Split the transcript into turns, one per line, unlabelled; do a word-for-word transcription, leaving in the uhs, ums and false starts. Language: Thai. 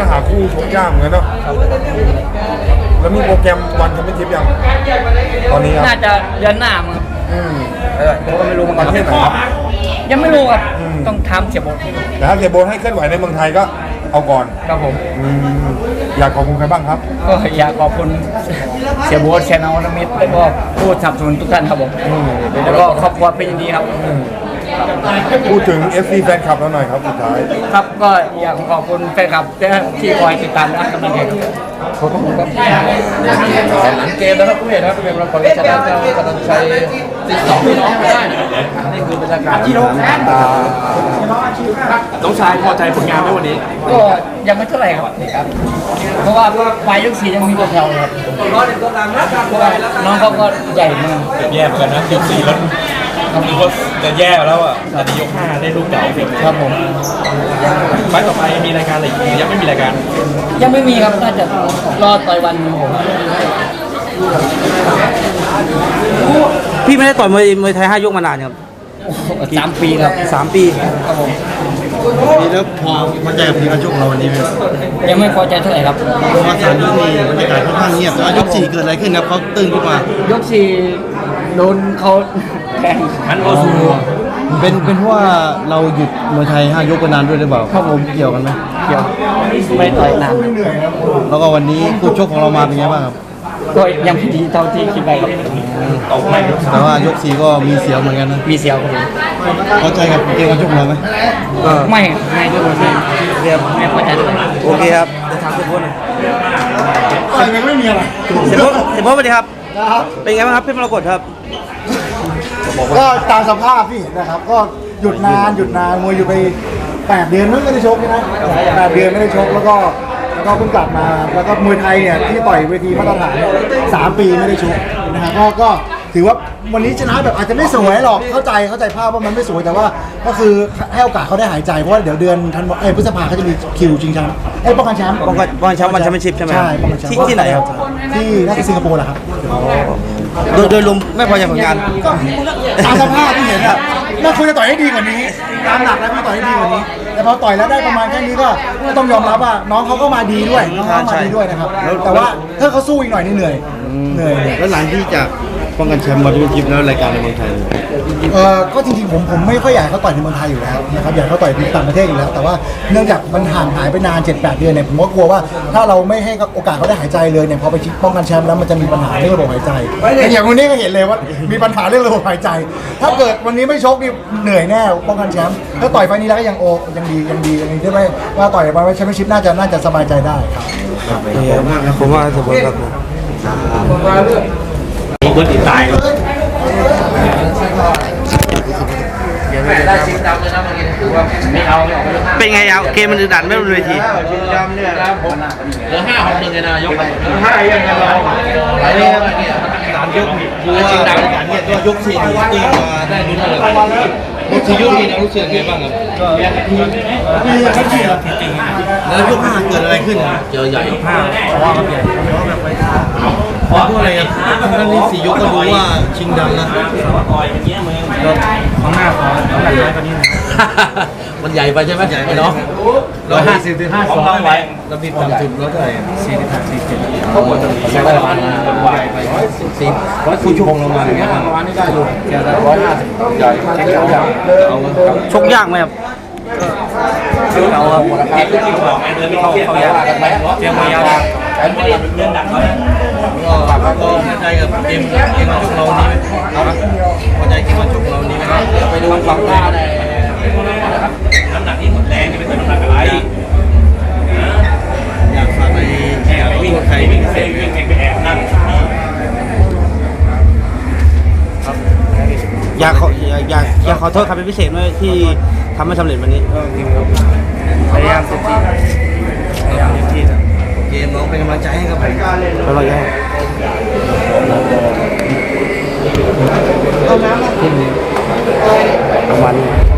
ก็หาคู่ชกยากเหมือนกันเนาะแล้วมีโปรแกรมวันแชมเปี้ยนชิพยังตอนนี้ครับ
น่าจะเดือนหน้ามั้ง
อืม
ผมก็ไม่รู้เหมือน
ป
กัน
ระเทศไหนครับ
ยังไม่รู้ครับต้องทำเสียบท
แต่ถ้าเสียโบนให้เคลื่อนไหวในเมืองไทยก็เอาก่อน
ครับผม
อืมอยากขอบคุณใครบ้างครับ
ก็อยากขอบคุณเสียโบทแชนอลมิตรแล้วก็ผู้สนับสนุนทุกท่านครับผมแล้วก็ครอบครัวเป็นอย่างดีครับ
พูดถึง เอฟ ซี แฟนคลับเราหน่อยครับสุดท้าย
ครับก็อยากขอบคุณแฟนคลับที่คอยติดตามและกำลังใจครับขอบคุณครับ
เกมนะครับผู้เห็นครับเป็นเราคนชนะเจ้ากำลังใช้ติดสองพี่น้องไม่ได้นี่คือบรรยากาศที่น้องน้องชายพอใจผลงานไหมวันนี้
ก็ยังไม่เท่าไหร่ครับเพราะว่าปลายยกสี่ยังมีตัวแถวครับน้องเขาก็ใหญ่มาก
แย่เหมือนกันนะยกสี่แล้วคือว่าจะแย่แล้วอ่ะแต่ยกห้าได้ลูกเก่า
ครับผม
ไฟต่อไปมีรายการอะไรอีกยังไม่มีรายการ
ยังไม่มีครับน่าจะรอต่อยวันผม
พี่ไม่ได้ต่อยมวยมวยไทยห้ายกมานานครับ
สามปีครับ
สามปี
ครับผม
นี่แล้วพอพอใจกับทีมการชกเราวันนี้ไหม
ยังไม่พอใจเท่าไหร่ครับ
เพราะว่าสามยกนี้บรรยากาศค่อนข้างเงียบแต่ว่ายกสี่เกิดอะไรขึ้นครับเขาตื่นขึ้นมาย
กสี่โดนเขาแทง
ฮันโอซู
เป็นเป็นเพราะว่าเราหยุดมวยไทยห้ายกไปนานด้วยหรือเปล่า
ครับผม
เกี่ยวกันไหม
เกี่ยวไม่ต่อยนาน
แล้วก็วันนี้คู่ชกของเรามาเป็นไงบ้างครับ
ก็ยังไม่ดีเท่าที่คิดไปครับ
ตกไม่
แต่ว่ายกสี่ก็มีเสียวเหมือนกันนะ
มีเสียวครับ
พอใจกับเกมการชกของเราไหม
ไม่ไม่ด้วยไม่เรียบไม่พอใจด้วย
โอเคครับเดี๋ยวถามเสียโบ๊ทหน่อย
ก็ยังไม่มีอะไร
เสียโบ๊ทเสียโบ๊ทสวัสดีครับเป็นไงบ้างครับพี่มรกตครับ
ก็ตามสภาพที่เห็นนะครับก็หยุดนานหยุดนานมวยอยู่ไปแปดเดือนไม่ได้ชกนะแปดเดือนไม่ได้ชกแล้วก็แล้วก็เพิ่งกลับมาแล้วก็มวยไทยเนี่ยที่ต่อยเวทีมาตรฐานสามปีไม่ได้ชกนะครับก็ก็ถือว่าวันนี้ชนะแบบอาจจะไม่สวยหรอกเข้าใจเข้าใจภาพว่ามันไม่สวยแต่ว่าก็คือให้โอกาสเขาได้หายใจเพราะว่าเดี๋ยวเดือนธันวาคมพฤษภาเขาจะมีคิวชิงแชมป์ไอ้ป้องกันแชมป์
ป้องกันป้องกันแชมป์วันแชมเปี้ยนชิพใช่ไหม
ใช่ป้องกันแชมป์
ที่ที่ไหนครับ
ที่น่าจะสิงคโปร์แหละครับ
โดยโดยรวมไม่พอใจผลงาน
ก็ตามสภาพที่เห็นอะน่าควรจะต่อยให้ดีกว่านี้ตามหลักแล้วควรต่อยให้ดีกว่านี้แต่พอต่อยแล้วได้ประมาณแค่นี้ก็ต้องยอมรับว่าน้องเขาก็มาดีด้วยน้องเขามาดีด้วยนะครับแต่ว่าถ้าเขาสู้อีกหน่อยนี่เหนื่อยเหนื่อย
แล้วหลังที่จากป้องกันแชมป์มาดูจิบแล้วรายการในเมืองไทย
เออก็จริงๆผมผมไม่ค่อยอยากให้เขาต่อยในเมืองไทยอยู่แล้วนะครับอยากให้เขาต่อยในต่างประเทศอยู่แล้วแต่ว่าเนื่องจากมันห่างหายไปนาน เจ็ดแปด เดือนเนี่ยผมก็กลัวว่าถ้าเราไม่ให้โอกาสเขาได้หายใจเลยเนี่ยพอไปป้องกันแชมป์แล้วมันจะมีปัญหาเรื่องระบบหายใจอย่างวันนี้ก็เห็นเลยว่ามีปัญหาเรื่องระบบหายใจถ้าเกิดวันนี้ไม่ชกนี่เหนื่อยแน่ป้องกันแชมป์ถ้าต่อยไฟนี้แล้วก็ยังโอยังดียังดียังดีที่ไม่ว่าต่อยไปแชมเปี้ยนชิพน่าจะน่าจะสบายใจได้ครับ
ผมว่าเสียโบ๊ทครับ
คนติดตาย
ได้ชิงดำเลยนะเมื่อกี้ถือว่าไม่เอาไม่ออก
เป็นไงเอาเกมมันดุดันไม่บนเวที
ชิงดำเนี่ยเหลือห้าหกหนึ่งเลยนะยกไปเหลือห้ายังไงเราไปเรื่อยๆสามยกคือชิงดำการเนี่ยก็ยกสี่ตีมาได้ลุ้นเลยยกสี่ยกนี้นะรู้สึกไงบ้างครับก็
มีครับที่แล้วยกห้าเกิดอะไรขึ้น
เจอใหญ่
ห้าว่าครับใหญ่เพราะอะไรครับทั้งนี้สี่ยกก็รู้ว่าชิงดำนะ
ข้างหน้าขอน้ำหนักน้อยกว่านี้นะ
มันใหญ่ไปใช่ไหม
ใหญ่ไป
เนาะ
ร้อยห้าสิบถึงห้าสองไว้เราบิดต่ำสุดร้อยเท่าไหร่สี่สิบห้าสี่สิบเขาหมดจะใช้ได้ประมาณใหญ่ไปร้อยสิบสี่ร้อยคุณชั่วโมงลงมาอย่างเงี้ยประมาณนี้ได้อยู่แค่ร้อยห้าสิบใหญ่แข็งแรงเอา
ชกยากไหมครับ
เอาหมดเกมที่เขาบอกไงเดินไม่เข้าเข้ายากกันไหมเกมยากแต่ไม่ได้เดินดักเขาก็ก็พอใจกับเกมเกมชกเรานี้ไหมพอใจเกมชกเรานี้ไหมไปดูฝั่งหน้าได้น้ำหนักที่หมดแรงนี่เป็นน้ำหนักอะไร
อยากฝากไปแข่งวิ่งไทยวิ่งเซฟ
วิ่งแข่งไปแอบนั่ง
อยากขออยากอยากอยากขอโทษครับเป็นพิเศษด้วยที่ทำไม่สำเร็จวันนี้
พยายามเต็มที่พยายามเต็มที่
โอเคน้องเป็นกำลังใจให้ครับ
แล้วเราแย่ประมาณนี้